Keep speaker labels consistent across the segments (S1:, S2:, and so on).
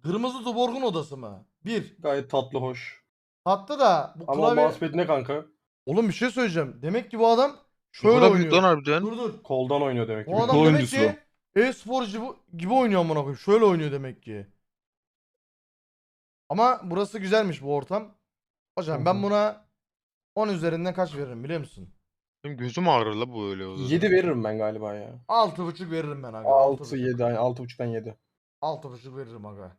S1: Kırmızı Tuborg'un odası mı? Bir.
S2: Gayet tatlı, hoş.
S1: Hatta da bu
S2: Ama o
S1: klavye...
S2: mousepad ne kanka?
S1: Oğlum bir şey söyleyeceğim. Demek ki bu adam
S3: Ne
S1: şöyle
S3: kadar büyük lan
S1: oynuyor.
S3: harbiden.
S1: Dur.
S2: Koldan oynuyor demek ki.
S1: O adam
S4: Kol
S1: demek
S4: oyuncusu.
S1: ki e-spor gibi oynuyor amına koyayım. Şöyle oynuyor demek ki. Ama burası güzelmiş bu ortam. Hocam ben buna 10 üzerinden kaç veririm biliyor musun?
S3: Benim gözüm ağrır la bu öyle o zaman.
S2: 7 veririm ben galiba ya.
S1: 6,5 veririm ben aga.
S2: 6, 7, yani 6.5'tan 7.
S1: 6,5 veririm aga.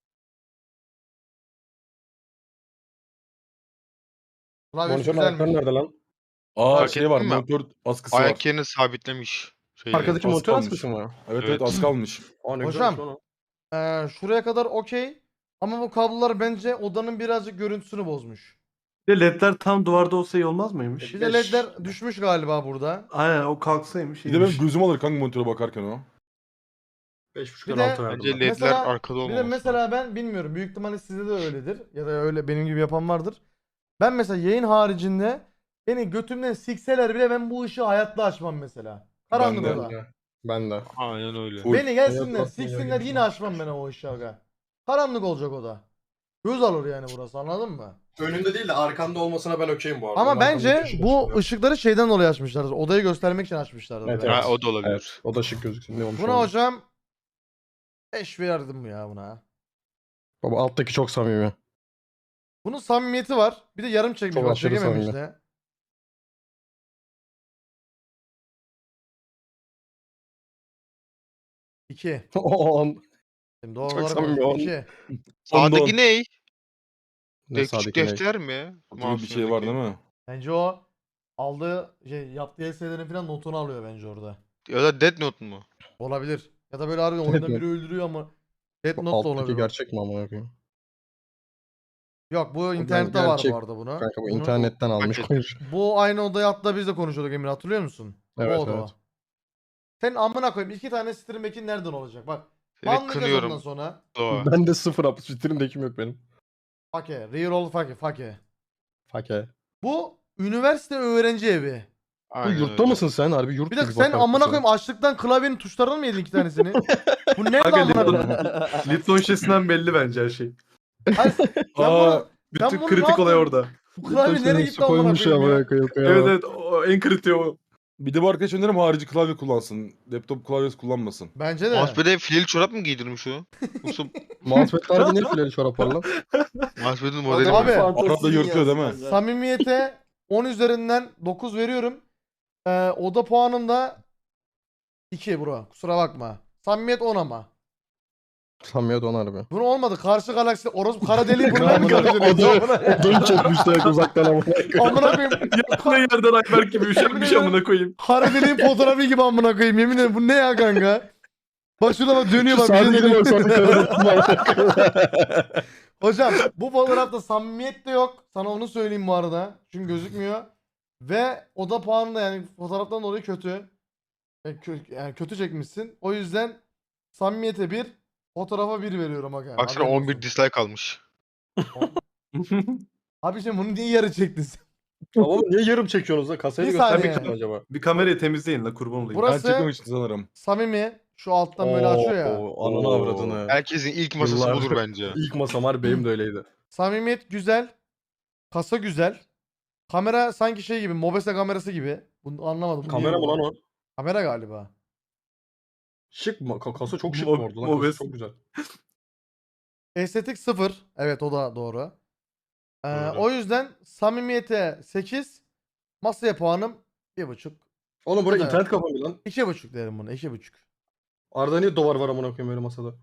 S1: Klavyesi
S2: Monitörün
S1: güzelmiş.
S2: ayakları nerede lan?
S4: Aa
S3: Fark
S4: şey var,
S3: ettin mi?
S4: monitör askısı var.
S3: Ayak yerini sabitlemiş. Şeyle.
S2: Arkadaki
S4: az
S2: monitör
S4: kalmış.
S2: askısı mı?
S4: Evet
S3: Evet.
S4: az kalmış.
S2: Aa ne
S1: Hocam,
S2: güzelmiş lan o.
S1: Şuraya kadar okey. Ama bu kablolar bence odanın birazcık görüntüsünü bozmuş.
S5: Bir de ledler tam duvarda olsa iyi olmaz mıymış?
S1: Bir de ledler düşmüş galiba burada.
S5: Aynen o kalksaymış
S4: Bir de benim
S5: iyiymiş.
S4: gözüm alır kanka monitöre bakarken o.
S2: 5.5'tan
S1: Bir de-
S2: 6 verdim
S3: Bence
S2: ben.
S3: ledler
S1: Mesela-
S3: arkada
S1: Bir
S3: olmaması
S1: de
S3: lazım.
S1: mesela ben bilmiyorum. Büyük ihtimalle sizde de öyledir. Ya da öyle benim gibi yapan vardır. Ben mesela yayın haricinde beni götümden sikseler bile ben bu ışığı hayatta açmam mesela. Karanlık
S4: Ben de.
S1: oda.
S2: Ben de.
S3: Aynen öyle.
S4: Full.
S1: Beni gelsinler
S2: Evet,
S1: siksinler yine açmam ben o ışığı aga. Karanlık olacak oda. Göz alır yani burası anladın mı?
S2: Önünde değil de arkanda olmasına ben okeyim bu arada.
S1: Ama
S2: Arkamda
S1: bence
S2: ışık
S1: bu
S2: açılıyor.
S1: ışıkları şeyden dolayı açmışlardır. Odayı göstermek için açmışlardır.
S2: Evet,
S1: bence.
S2: evet.
S3: Ha, o da olabilir.
S2: Evet, o da şık gözüksün. Ne olmuş
S1: Buna
S2: olabilir.
S1: hocam 5 verdim ya buna.
S2: Baba alttaki çok samimi.
S1: Bunun samimiyeti var. Bir de yarım çekmiş.
S2: Çok
S1: Bak
S2: aşırı
S1: çekememiş
S2: samimi.
S1: de. İki.
S2: O an.
S1: Şimdi doğru
S2: Çok
S1: olarak
S2: samimi
S1: konuşayım.
S2: oğlum.
S1: İki.
S3: Sağdaki ne?
S2: Ne
S3: Küçük
S2: sağdaki ne?
S3: defter mi?
S4: Gibi bir şey var değil mi?
S1: Bence o aldığı yaptığı eselerin falan notunu alıyor bence orada.
S3: Ya da Death Note mu?
S1: Olabilir. Ya da böyle harbiden oyunda biri öldürüyor ama Death Note da
S2: Alttaki
S1: olabilir.
S2: gerçek mi amına koyayım?
S1: Yok bu internette var
S2: gerçek.
S1: bu arada bunu.
S2: Kanka bu
S1: Bunu-
S2: internetten almış
S3: Paket.
S2: koymuş.
S1: Bu aynı odaya hatta biz de konuşuyorduk Emir hatırlıyor musun?
S2: Evet,
S1: o oda
S2: evet.
S1: o. Senin amına koyayım 2 tane stream back'in nereden olacak? Bak.
S3: Seni
S1: Banlayacağız ondan
S3: kınıyorum.
S1: sonra.
S3: Doğa.
S2: Ben de 0 up. Stream'dekim yok benim.
S1: Fake. Reroll fake.
S2: Fake.
S1: Bu üniversite öğrenci evi.
S2: Bu
S3: Aynen
S2: yurtta
S3: öyle.
S2: mısın sen? Harbi yurt
S1: Bir
S2: gibi
S1: dakika sen
S2: bakarsın
S1: amına
S2: sen.
S1: koyayım açlıktan klavyenin tuşlarını mı yedin 2 tanesini? Bu nerede
S5: Kanka
S1: amına koyayım?
S5: Lipton şişesinden belli bence her şey.
S1: Hayır, sen
S4: Aa,
S1: bunu, sen
S5: Bütün
S1: bunu
S5: kritik
S1: ne
S5: olay
S1: yaptın?
S5: orada.
S1: Bu klavye nereye gitti amına
S2: koymuş
S1: koyayım ya?
S2: amına koyayım.
S5: Evet evet o en kritiği o.
S4: bir de bu arkadaş önerim harici klavye kullansın. Laptop klavyesi kullanmasın.
S1: Bence de.
S3: Mousepad'e fileli çorap mı giydirmiş o? Yoksa
S2: Mousepad harbi ne fileli çorap var lan?
S3: Mousepad'in modeli
S1: Abi,
S3: mi?
S4: Arada yırtıyor değil mi?
S1: Samimiyete 10 üzerinden 9 veriyorum. Oda puanım da 2 bro. Kusura bakma. Samimiyet 10 ama.
S2: Samimiyet on harbi.
S1: Bunu olmadı. Karşı galaksi orospu kara deliği bunlar mı
S2: Odayı
S1: karıştırıyorsun?
S2: çekmişler uzaktan amına koyayım.
S1: Amına koyayım.
S5: Yakına yerden Ayberk gibi üşenmiş amına koyayım.
S1: Kara deliğin fotoğrafı gibi amına koyayım. Yemin ederim bu ne ya kanka? Bak şurada bak dönüyor bak. Bir şey
S2: Sadece
S1: dönüyor.
S2: bak sonra kararım.
S1: Hocam bu fotoğrafta samimiyet de yok. Sana onu söyleyeyim bu arada. Çünkü gözükmüyor. Ve oda puanı da yani fotoğraftan dolayı kötü. Yani kötü çekmişsin. O yüzden samimiyete 1, fotoğrafa 1 veriyorum aga.
S3: Baksana
S1: Haberin
S3: 11
S1: olsun.
S3: dislike almış.
S1: Abi şimdi bunu niye yarı çektin sen?
S2: Oğlum niye yarım çekiyorsunuz lan? Kasayı
S1: Bir
S2: göstermek
S1: saniye.
S2: için acaba?
S5: Bir kamerayı temizleyin la kurban olayım.
S1: Burası-
S4: Ben çekmemiştim sanırım.
S1: Samimi. Şu alttan böyle açıyor ya.
S2: Ananı avradını.
S3: Herkesin ilk masası
S2: Yıllardır.
S3: budur bence.
S2: İlk masam var benim de öyleydi.
S1: Samimiyet güzel. Kasa güzel. Kamera sanki şey gibi. Mobese kamerası gibi. Bunu anlamadım. Bu
S2: Kamera
S1: niye
S2: mı
S1: bu?
S2: lan o?
S1: Kamera galiba.
S2: Şık mı? Kasa çok şık
S5: Mo-
S2: bu arada lan. Kasa
S5: Mobes.
S2: çok güzel.
S1: Estetik 0. Evet o da doğru.
S3: Doğru.
S1: O yüzden samimiyete 8. Masaya puanım 1,5.
S2: Oğlum buraya
S1: Evet.
S2: internet kafa mı lan?
S1: 2,5 derim buna. 2,5.
S2: Arada niye dolar var amına koyayım öyle masada?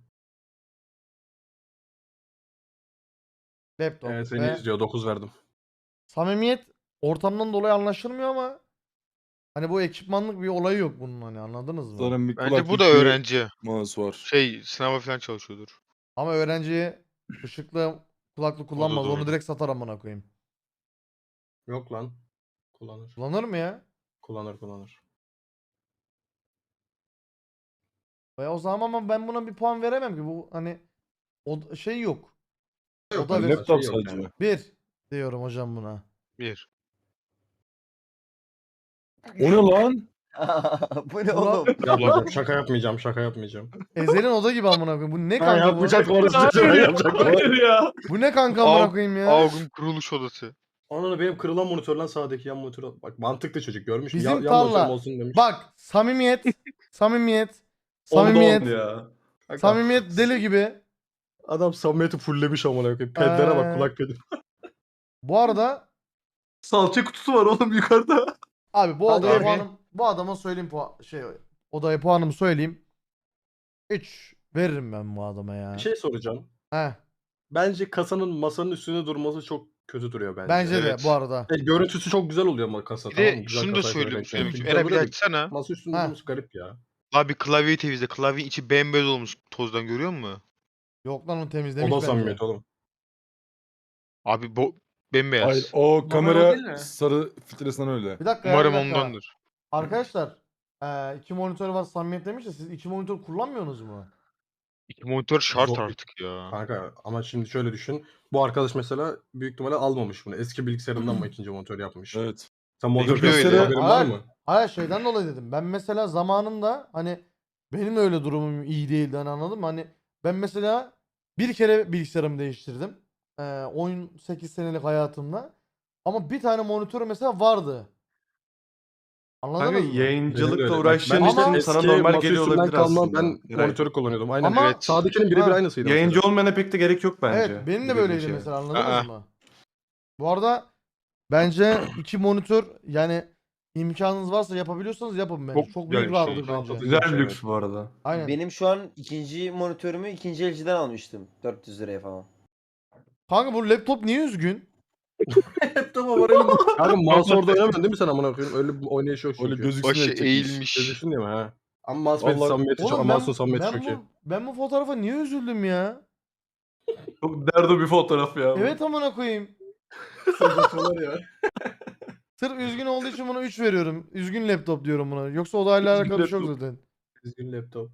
S1: Laptop
S2: Evet seni
S1: ve
S2: izliyor 9 verdim.
S1: samimiyet ortamdan dolayı anlaşılmıyor ama hani bu ekipmanlık bir olayı yok bunun hani anladınız mı?
S4: Sanırım bir
S3: Bence bu
S4: kulaklık
S3: da
S4: bir
S3: öğrenci.
S4: mouse var.
S3: Şey sınava falan çalışıyordur.
S1: Ama öğrenci ışıklı kulaklık kullanmaz.
S3: doğru.
S1: Onu direkt satar amına koyayım.
S2: Yok lan. Kullanır.
S1: Kullanır mı ya?
S2: Kullanır.
S1: O zaman ama ben buna bir puan veremem ki. Bu hani o şey yok. O da
S2: Yani
S1: ver.
S4: Laptop
S2: şey yok
S4: sadece.
S2: yani.
S1: 1 diyorum hocam buna.
S3: 1.
S4: O ne lan?
S6: Bu ne oğlum?
S2: Yapmayacağım. Şaka yapmayacağım.
S1: Ezel'in oda gibi amına koyayım. Bu ne
S2: Ben
S1: kanka bu?
S2: yapmayacaktım orası çocuğum. Ben yapacaktım.
S5: Hayır ya.
S1: Bu ne kanka amına koyayım ya?
S3: Avgum kuruluş odası.
S2: Ananı benim kırılan monitörden sağdaki yan monitör. Bak mantıklı çocuk görmüş mü?
S1: Bizim
S2: Yan
S1: tarla.
S2: monitörüm olsun demiş.
S1: Bak samimiyet. Samimiyet.
S5: Ondan
S1: Samimiyet.
S5: ya.
S2: Kanka,
S1: Samimiyet deli gibi.
S2: Adam samimiyeti fulllemiş amına koyayım. Pedlere
S1: Ee,
S2: bak kulak pedi.
S1: Bu arada
S5: Salça kutusu var oğlum yukarıda.
S1: abi bu
S6: Hadi
S1: odaya
S6: abi.
S1: puanım, bu adama söyleyeyim odaya puanımı söyleyeyim. 3 veririm ben bu adama ya.
S2: Bir şey soracağım.
S1: Heh,
S2: Bence kasanın masanın üstünde durması çok kötü duruyor bence.
S1: bence de
S3: evet.
S1: bu arada.
S2: Görüntüsü çok güzel oluyor ama kasa.
S3: Bir
S2: tamam
S3: de
S2: mı? Güzel
S3: şunu da
S2: kasaysa
S3: söyleyeyim.
S2: renk
S3: Söyleyeyim.
S2: renkli.
S3: Eren bir
S2: Böyle
S3: açsana.
S2: masa üstünde
S1: Ha.
S2: durması garip ya.
S3: Abi klavyeyi temizle. Klavyenin içi bembeyaz olmuş tozdan görüyor musun?
S1: Yok lan onu
S2: O
S1: temizlemiş
S2: da
S1: bence.
S2: samimiyet oğlum.
S3: Abi bembeyaz.
S4: Hayır o
S5: değil
S4: kamera
S5: mi?
S4: sarı filtresinden öyle.
S1: Bir dakika ya,
S3: Umarım
S1: bir dakika.
S3: ondandır.
S1: Arkadaşlar 2 monitör var samimiyet demiş de siz 2 monitör kullanmıyorsunuz mu?
S3: İki monitör şart
S2: Zor.
S3: artık ya.
S2: Kanka ama şimdi şöyle düşün. Bu arkadaş mesela büyük ihtimalle almamış bunu. Eski bilgisayarından mı ikinci monitör yapmış?
S4: Evet.
S2: Sen monitör
S3: Benimki öyle.
S2: bilgisayarı haberin var
S1: Hayır.
S2: mı?
S1: Hayır şeyden dolayı dedim. Ben mesela zamanında hani benim de öyle durumum iyi değildi hani anladın mı? Hani ben mesela bir kere bilgisayarımı değiştirdim. 18 senelik hayatımda. Ama bir tane monitör mesela vardı.
S5: Kanka
S1: Anladınız mı?
S5: yayıncılıkla
S2: Benim de öyle.
S5: uğraştığın
S1: Ama-
S5: için sana normal geliyor olabilir
S2: kalma,
S5: aslında.
S2: ben
S5: Eray.
S2: monitörü kullanıyordum. Aynen.
S1: Ama-
S3: Evet.
S2: Sağdakinin birebir
S1: Ha.
S2: aynısıydı.
S5: Yayıncı
S2: mesela.
S5: olmayana pek de gerek yok bence.
S1: Evet benim de
S5: bu dediğin
S1: böyleydi
S5: şeye.
S1: mesela anladınız
S3: Aa.
S1: mı? Bu arada bence 2 monitör yani imkanınız varsa yapabiliyorsanız yapın bence.
S3: Çok
S1: Çok
S3: güzel
S1: büyük
S3: bir şey.
S1: rahatlık bence.
S5: Güzel bir lüks bu arada.
S1: Aynen.
S6: Benim şu an ikinci monitörümü ikinci elciden almıştım. 400 liraya falan.
S1: Kanka bu laptop niye üzgün?
S2: Tamam var elim. Kanka mouse orada oynamıyorsun değil mi sen amına koyayım? Öyle bir oynayış yok çünkü.
S4: Öyle gözüksün
S3: Başı
S4: diye çekmiş.
S3: eğilmiş.
S2: Gözüksün diye mi ha? Ama mousepad'in
S4: Vallahi-
S2: samimiyeti çok,
S1: Oğlum
S2: mouse'un samimiyeti çok iyi.
S1: ben bu fotoğrafa niye üzüldüm ya?
S5: Çok derdo bir fotoğraf ya. bu.
S1: Evet amına koyayım.
S2: ya.
S1: Sırf üzgün olduğu için buna 3 veriyorum. Üzgün laptop diyorum buna. Yoksa odayla
S2: Üzgün
S1: alakalı bir şey yok
S2: laptop.
S1: zaten.
S2: Düzgün laptop.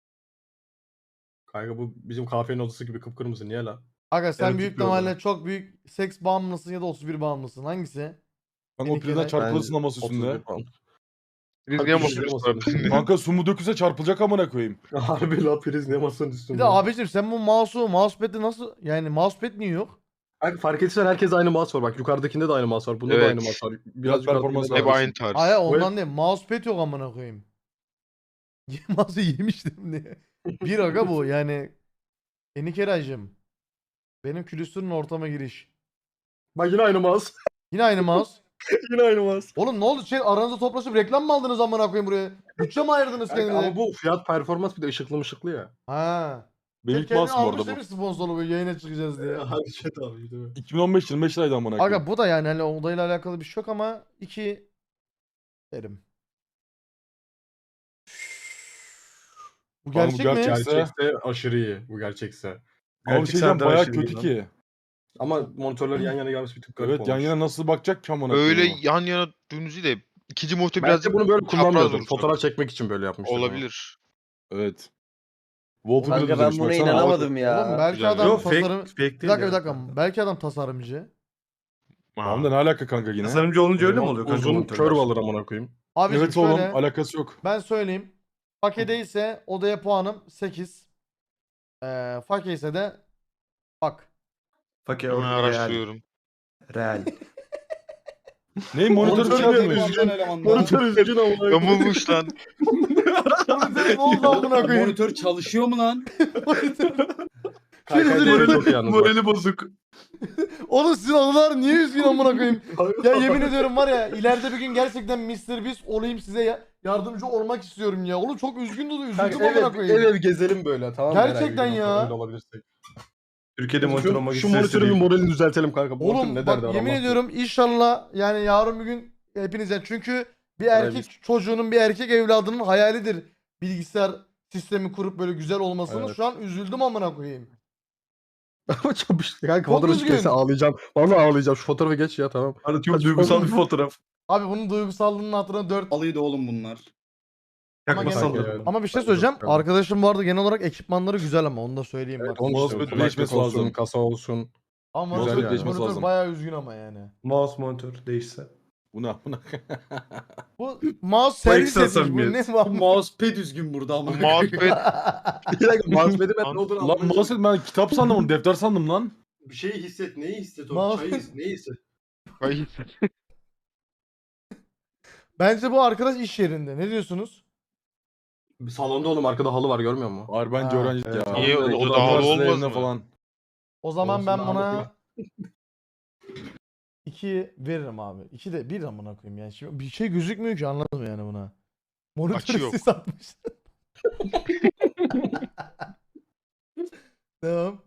S2: Kanka bu bizim kahvenin odası gibi kıpkırmızı niye la?
S1: Aga sen
S5: Erotik
S1: büyük
S5: bir oda.
S1: ihtimalle çok büyük seks bağımlısın ya da 31 bağımlısın. Hangisi?
S4: Kanka o
S1: Benimki
S4: prizden
S1: de-
S4: çarpılırsın ama üstünde.
S2: 31 pound.
S3: Biz
S2: Abi
S3: niye
S2: bir şey
S3: basıyoruz?
S2: olmasın.
S4: Kanka su mu dökülse çarpılacak amına koyayım.
S2: Harbi la priz ne masanın üstünde.
S1: Bir de abicim sen bu mousepad'i nasıl yani mousepad niye yok?
S2: Kanka fark etsen herkes aynı mouse var. Bak yukarıdakinde de aynı mouse var. Bunda da
S3: Evet.
S2: aynı mouse var. Biraz
S4: performans
S2: yukarıdakinde de
S3: Hep
S2: aynı.
S3: aynı tarz.
S1: Hayır
S2: Bu
S1: ondan değil. Mousepad yok amına koyayım. Mouse'u yemiştim diye. Bir aga bu yani. Enikeracım. Benim külüstürün ortama giriş.
S2: Bak yine aynı mouse.
S1: Yine aynı mouse.
S2: Yine aynı mouse.
S1: Oğlum ne oldu? Aranızda toplaşıp reklam mı aldınız amına koyayım buraya? Bütçe mi ayırdınız
S2: Kanka,
S1: kendinize?
S2: ama bu fiyat performans bir de ışıklı mışıklı ya.
S1: Ha.
S4: Benim ilk
S1: Kendini
S4: mouse'um
S1: almış
S4: orada bu.
S1: demiş sponsorlu böyle yayına çıkacağız diye.
S2: Hadi chat abi değil mi?
S4: 2015 liraydı amına koyayım.
S1: Aga bu da yani hani odayla alakalı bir şey yok ama 2 derim. Bu
S4: Kanka bu
S1: gerçek mi?
S4: gerçek.
S2: Gerçekse aşırı iyi. Bu gerçekse.
S4: Ama bir şey
S5: Gerçek
S4: diyeceğim
S5: sende
S4: bayağı
S5: aşırı
S4: kötü
S5: iyi lan.
S4: ki.
S2: Ama monitörler yan yana gelmesi bir tık garip
S4: Evet yan
S2: olmuş.
S4: yana nasıl bakacak ki amına
S3: Öyle
S4: koyayım.
S3: yan yana dönüzü de ikinci monitör
S2: Belki
S3: birazcık
S2: bunu böyle
S3: çapraz
S2: kullanmıyordur.
S3: duracak.
S2: Fotoğraf çekmek için böyle yapmışlar.
S3: Olabilir.
S4: Evet. Wallpaper'ı
S6: Kanka ben
S4: düzlemiş
S6: buna
S4: baksana.
S6: inanamadım ya.
S1: Oğlum belki
S3: Güzel.
S1: adam
S5: Yok
S1: tasarım...
S5: fake değil
S1: Bir dakika
S5: ya.
S1: bir dakika. Belki adam tasarımcı.
S4: Tamam da ne alaka kanka yine?
S5: Tasarımcı olunca öyle mi oluyor kanka
S2: Uzun
S5: monitörler?
S2: curve alır amına koyayım.
S1: Abiciğim
S4: Evet oğlum
S1: şöyle
S4: alakası yok.
S1: ben söyleyeyim. Fakede ise odaya puanım 8. Fake ise de bak.
S5: Fakir
S3: Hemen
S5: real.
S3: araştırıyorum.
S5: Real.
S4: Ne monitör
S2: Monitör
S4: şey
S2: bir
S4: yapmış.
S2: üzgün. Monitör üzgün amına koyayım.
S3: Yamulmuş lan.
S1: Ne oldu amına koyayım?
S7: Monitör çalışıyor mu lan?
S2: Kanka
S1: Morali-
S2: çok iyi yalnız. bak.
S5: Morali bozuk.
S1: Oğlum sizin anılar niye üzgün amına koyayım? Ya yemin ediyorum var ya ileride bir gün gerçekten Mr. Beast olayım size yardımcı olmak istiyorum ya. Oğlum çok üzgün dolu üzüldüm
S2: Kanka
S1: amına
S2: ev
S1: koyayım.
S2: ev gezelim böyle tamam mı?
S1: Gerçekten
S2: Herhangi bir
S1: ya.
S2: öyle olabilirsek.
S5: Türkiye'de monitör olmak
S2: Şu
S5: istese
S2: monitörün bir
S5: değil.
S2: moralini düzeltelim kanka. Bu monitör
S1: Oğlum
S2: ne
S1: bak
S2: derdi
S1: yemin
S2: Allah
S1: ediyorum inşallah yani yarın bir gün hepinizden çünkü bir
S2: Evet.
S1: erkek çocuğunun bir erkek evladının hayalidir bilgisayar sistemi kurup böyle güzel olmasını.
S2: Evet.
S1: Şu an üzüldüm amına koyayım.
S2: Ama çok kanka
S1: Çok
S2: fotoğrafı
S1: üzgün.
S2: çekse ağlayacağım. Vallahi ağlayacağım. Şu fotoğrafı geç ya tamam.
S5: Hani çok
S2: Hadi
S5: duygusal
S2: oğlum.
S5: bir fotoğraf.
S1: Abi bunun duygusallığının hatırına 4
S7: Alıydı oğlum bunlar.
S5: Yakma
S1: gene-
S5: sallı.
S1: ama bir şey
S2: Bence
S1: söyleyeceğim.
S2: çok güzel.
S1: Arkadaşım bu arada genel olarak ekipmanları güzel ama onu da söyleyeyim bak.
S2: Onun
S4: Mousepad
S2: işte
S4: değişmesi
S2: kulaklık olsun,
S4: lazım.
S2: kasa olsun.
S1: Ama
S2: güzel
S1: monitör,
S2: yani.
S1: monitör
S4: Değişmesi lazım.
S1: bayağı üzgün ama yani.
S5: Mouse monitör değişse.
S4: Buna.
S1: Bu mouse servis
S5: ekstra
S1: etmiş. Bu ne
S5: samimiyet.
S7: Bu
S1: bu?
S7: mousepad düzgün burada ama.
S3: Mousepad.
S2: Bir dakika mousepad ben ne olduğunu
S4: Lan
S2: anlamadım.
S4: mouse ben kitap sandım onu, defter sandım lan.
S2: Bir şeyi hisset. Neyi hisset
S1: Mouse-
S2: oğlum? Çayı hisset. Neyi hisset?
S3: Hayır.
S1: Bence bu arkadaş iş yerinde. Ne diyorsunuz?
S2: Salonda oğlum arkada halı var görmüyor musun?
S4: Hayır bence
S1: Ha,
S4: öğrenci
S5: evet.
S4: ya.
S3: Niye?
S4: Okulda,
S3: O da havalı
S4: üniversitelerinde
S3: olmaz mı?
S4: falan.
S1: O zaman
S2: Olsun,
S1: ben
S2: daha
S1: buna
S2: bakayım.
S1: 2 veririm abi. 2 de 1 amına koyayım yani. Şimdi bir şey gözükmüyor ki, anladım yani buna. Monitör
S3: Açı yok.
S1: sis atmış. Tamam.